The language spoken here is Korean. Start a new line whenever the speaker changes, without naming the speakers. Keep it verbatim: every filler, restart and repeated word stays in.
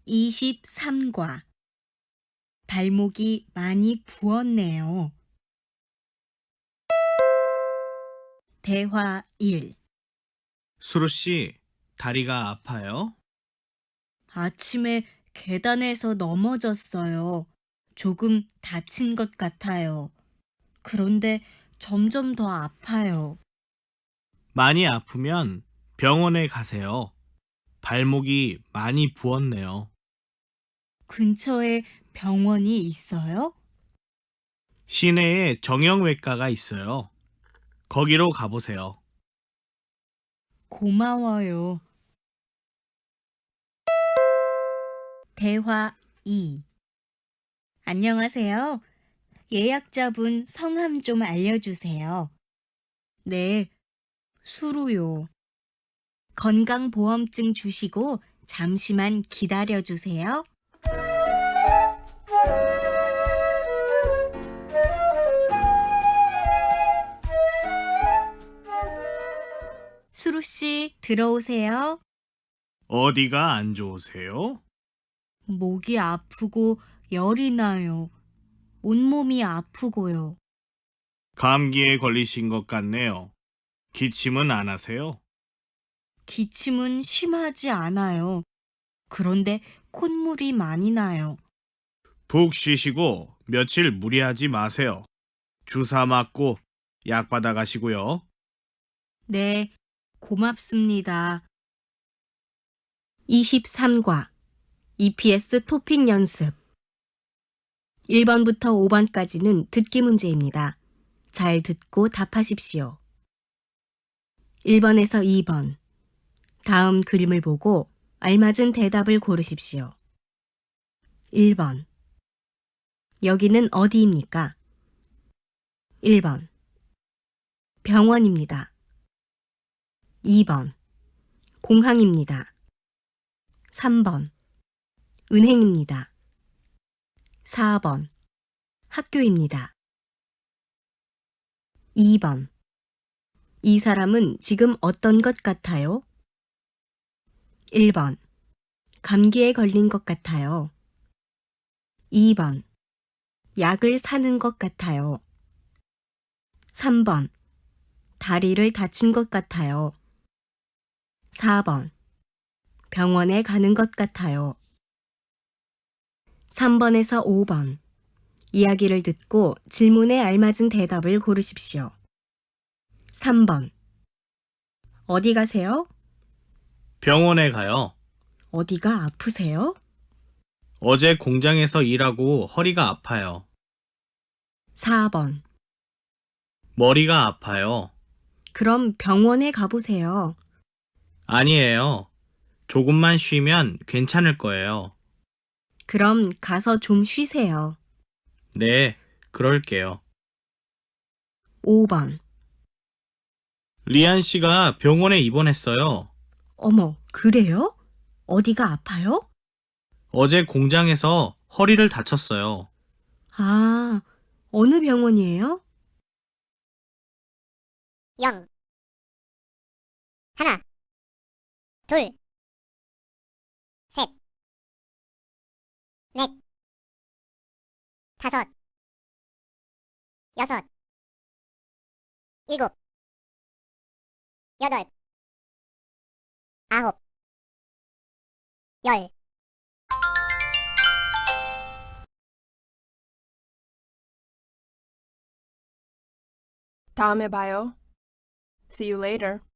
이십삼 과 발목이 많이 부었네요. 대화 일.
수루 씨, 다리가 아파요?
아침에 계단에서 넘어졌어요. 조금 다친 것 같아요. 그런데 점점 더 아파요.
많이 아프면 병원에 가세요. 발목이 많이 부었네요.
근처에 병원이 있어요?
시내에 정형외과가 있어요. 거기로 가보세요.
고마워요. 대화 이. 안녕하세요. 예약자분 성함 좀 알려주세요. 네, 수루요. 건강보험증 주시고 잠시만 기다려주세요. 수루 씨, 들어오세요.
어디가 안 좋으세요?
목이 아프고 열이 나요. 온몸이 아프고요.
감기에 걸리신 것 같네요. 기침은 안 하세요?
기침은 심하지 않아요. 그런데 콧물이 많이 나요.
푹 쉬시고 며칠 무리하지 마세요. 주사 맞고 약 받아 가시고요.
네, 고맙습니다. 이십삼 과 이피에스 토픽 연습. 일 번부터 오 번까지는 듣기 문제입니다. 잘 듣고 답하십시오. 일 번에서 이 번. 다음 그림을 보고 알맞은 대답을 고르십시오. 일 번. 여기는 어디입니까? 일 번. 병원입니다. 이 번. 공항입니다. 삼 번. 은행입니다. 사 번. 학교입니다. 이 번. 이 사람은 지금 어떤 것 같아요? 일 번. 감기에 걸린 것 같아요. 이 번. 약을 사는 것 같아요. 삼 번. 다리를 다친 것 같아요. 사 번. 병원에 가는 것 같아요. 삼 번에서 오 번. 이야기를 듣고 질문에 알맞은 대답을 고르십시오. 삼 번. 어디 가세요?
병원에 가요.
어디가 아프세요?
어제 공장에서 일하고 허리가 아파요.
사 번.
머리가 아파요.
그럼 병원에 가보세요.
아니에요. 조금만 쉬면 괜찮을 거예요.
그럼 가서 좀 쉬세요.
네, 그럴게요.
오 번.
리안 씨가 병원에 입원했어요.
어머, 그래요? 어디가 아파요?
어제 공장에서 허리를 다쳤어요.
아, 어느 병원이에요?
영, 하나, 둘, 셋, 넷, 다섯, 여섯, 일곱, 여덟, 아홉, 열.
다음에 봐요. See you later.